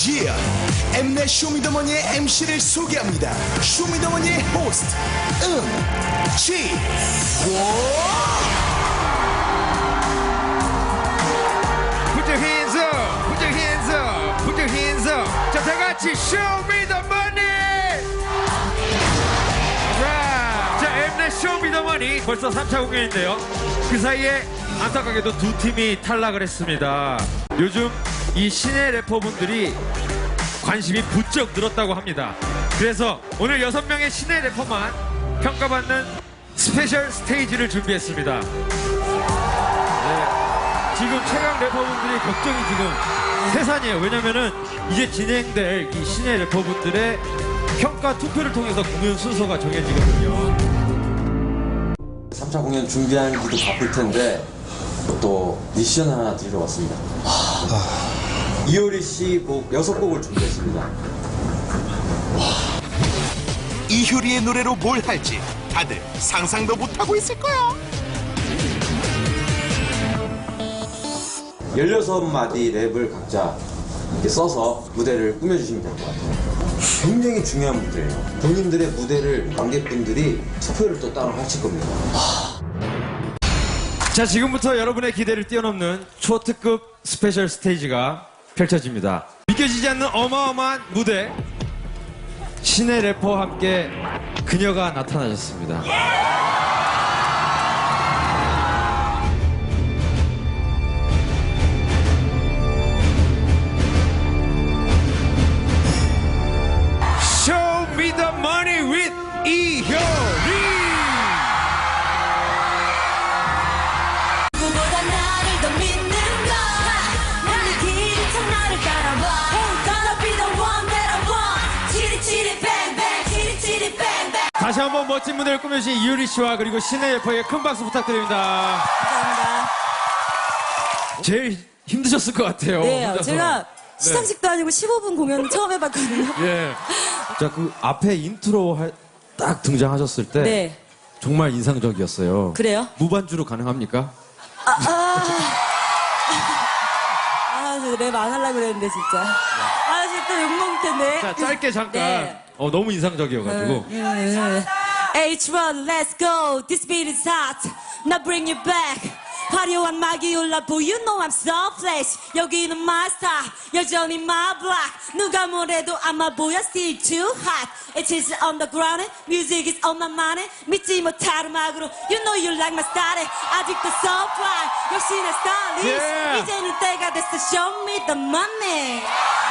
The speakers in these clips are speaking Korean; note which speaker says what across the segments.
Speaker 1: 엠넷 쇼미더머니의 MC를 소개합니다. 쇼미더머니의 호스트
Speaker 2: Put your hands up, put your hands up, put your hands up. 자, 다 같이 Show me the money. Alright. 자, 엠넷 Show me the money 벌써 3차 공연인데요. 그 사이에 안타깝게도 두 팀이 탈락을 했습니다. 요즘 이 신예 래퍼분들이 관심이 부쩍 늘었다고 합니다. 그래서 오늘 6명의 신예 래퍼만 평가받는 스페셜 스테이지를 준비했습니다. 네. 지금 최강 래퍼분들이 걱정이 지금 세산이에요. 왜냐면은 이제 진행될 이 신예 래퍼분들의 평가 투표를 통해서 공연 순서가 정해지거든요.
Speaker 3: 3차 공연 준비하기도 바쁠 텐데 또 미션 하나 드리러 왔습니다. 이효리 씨 곡 6곡을 준비했습니다.
Speaker 1: 이효리의 노래로 뭘 할지 다들 상상도 못하고 있을 거야.
Speaker 3: 16마디 랩을 각자 이렇게 써서 무대를 꾸며주시면 될 것 같아요. 굉장히 중요한 무대예요. 본인들의 무대를 관객분들이 투표를 또 따로 하실 겁니다.
Speaker 2: 자, 지금부터 여러분의 기대를 뛰어넘는 초특급 스페셜 스테이지가 펼쳐집니다. 믿겨지지 않는 어마어마한 무대, 신예 래퍼와 함께 그녀가 나타나셨습니다. Show me the money with 이효리.
Speaker 4: 누구보다 나를 더 믿는 건 오늘 길이처럼 나를 따라와 Gonna be the one that I want 치리치리 뱅뱅 치리치리 뱅뱅.
Speaker 2: 다시 한번 멋진 무대를 꾸며주신 이효리 씨와 그리고 신예 래퍼에게 큰 박수 부탁드립니다.
Speaker 4: 감사합니다.
Speaker 2: 제일 힘드셨을 것 같아요.
Speaker 4: 네,
Speaker 2: 혼자서.
Speaker 4: 제가 시상식도 아니고 15분 공연 처음 해봤거든요.
Speaker 2: 예. 자, 그 앞에 인트로 딱 등장하셨을 때
Speaker 4: 네.
Speaker 2: 정말 인상적이었어요.
Speaker 4: 그래요?
Speaker 2: 무반주로 가능합니까?
Speaker 4: 랩 안 하려고 그랬는데 진짜. 진짜 또 욕먹을 텐데.
Speaker 2: 자, 짧게 잠깐.
Speaker 4: 네.
Speaker 2: 너무 인상적이어가지고.
Speaker 4: H1, let's go. This beat is hot. Now bring it back. 화려한 막이 올라보. You know I'm so flash. 여기는 my star. 여전히 my block. 누가 뭐래도 아마 보여. Still too hot. It is on the ground. Music is on my mind. 믿지 못할 음악으로. You know you like my style. 아직도 so fly. 역시 내 stylist.
Speaker 2: Yeah.
Speaker 4: 이제는 때가 됐어. Show me the money.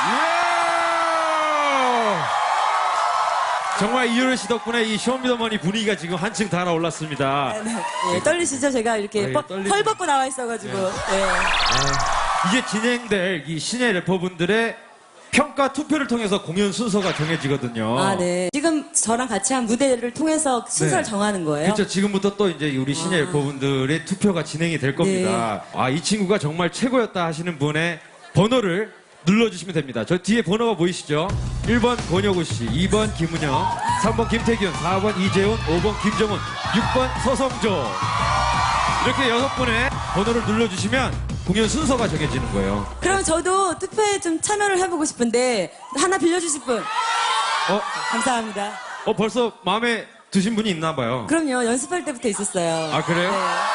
Speaker 2: 정말 이효리 씨 덕분에 이 쇼미더머니 분위기가 지금 한층 달아올랐습니다.
Speaker 4: 네, 떨리시죠? 제가 이렇게
Speaker 2: 떨리죠.
Speaker 4: 헐 벗고 나와 있어가지고. 네.
Speaker 2: 이제 진행될 이 신예 래퍼분들의 평가 투표를 통해서 공연 순서가 정해지거든요.
Speaker 4: 네. 지금 저랑 같이 한 무대를 통해서 순서를
Speaker 2: 네.
Speaker 4: 정하는 거예요?
Speaker 2: 그렇죠. 지금부터 또 이제 우리 신예 래퍼분들의 투표가 진행이 될 겁니다. 이 친구가 정말 최고였다 하시는 분의 번호를 눌러주시면 됩니다. 저 뒤에 번호가 보이시죠? 1번 권혁우 씨, 2번 김은영, 3번 김태균, 4번 이재훈, 5번 김정은, 6번 서성조. 이렇게 6분의 번호를 눌러주시면 공연 순서가 정해지는 거예요.
Speaker 4: 그럼 저도 투표에 좀 참여를 해보고 싶은데 하나 빌려주실 분? 감사합니다.
Speaker 2: 벌써 마음에 드신 분이 있나 봐요.
Speaker 4: 그럼요. 연습할 때부터 있었어요.
Speaker 2: 아, 그래요?
Speaker 4: 네.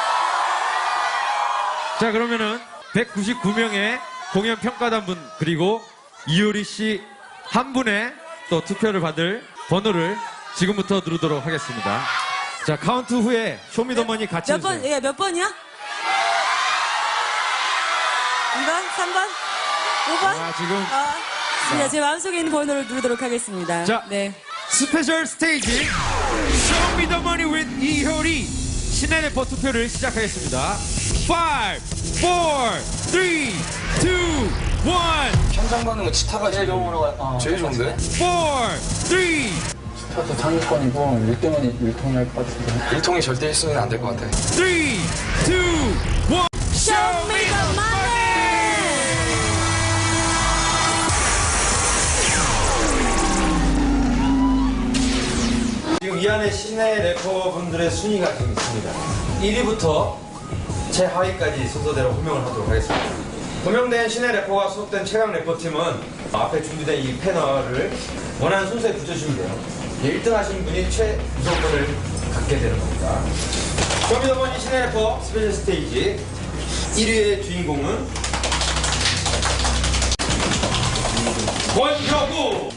Speaker 2: 자, 그러면은 199명의 공연 평가단 분 그리고 이효리 씨 한 분의 또 투표를 받을 번호를 지금부터 누르도록 하겠습니다. 자, 카운트 후에 쇼미더머니 같이
Speaker 4: 몇 번,
Speaker 2: 해주세요.
Speaker 4: 몇 번이야? 2번? 3번? 5번?
Speaker 2: 지금
Speaker 4: 네, 제 마음속에 있는 번호를 누르도록 하겠습니다.
Speaker 2: 자,
Speaker 4: 네.
Speaker 2: 스페셜 스테이지 쇼미더머니 with 이효리 신예 래퍼 투표를 시작하겠습니다. 5, 4, 3, 2, 1
Speaker 5: 현장 받는 거 치타가 제일 제일 좋은데?
Speaker 2: 4, 3
Speaker 5: 치타도 상위권이고 1등은 일통이 할 것 같은데 1통이 절대 1순위는 안 될 것 같아
Speaker 2: 3, 2, 1
Speaker 4: Show me the money!
Speaker 2: 지금 이 안에 신예 래퍼분들의 순위가 지금 있습니다. 1위부터 최하위까지 순서대로 호명을 하도록 하겠습니다. 호명된 신예 래퍼가 소속된 최강 래퍼팀은 앞에 준비된 이 패널을 원하는 순서에 붙여주시면 돼요. 1등 하신 분이 최우선권을 갖게 되는 겁니다. 쇼미더머니 신의 래퍼 스페셜 스테이지 1위의 주인공은 권혁우!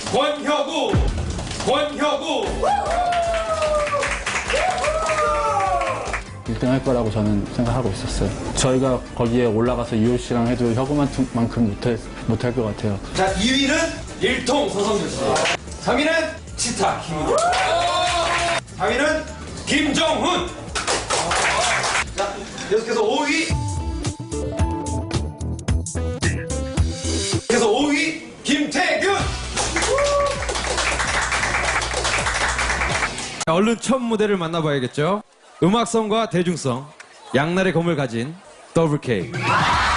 Speaker 6: 1등 할 거라고 저는 생각하고 있었어요. 저희가 거기에 올라가서 이효 씨랑 해도 혁우만큼 못할 것 같아요.
Speaker 2: 자, 2위는 일통 서성준 씨. 3위는 치타 김우도. 4위는 김정훈. 자, 계속해서 5위. 계속 5위 김태균. 자, 얼른 첫 무대를 만나봐야겠죠. 음악성과 대중성, 양날의 검을 가진 더블 K.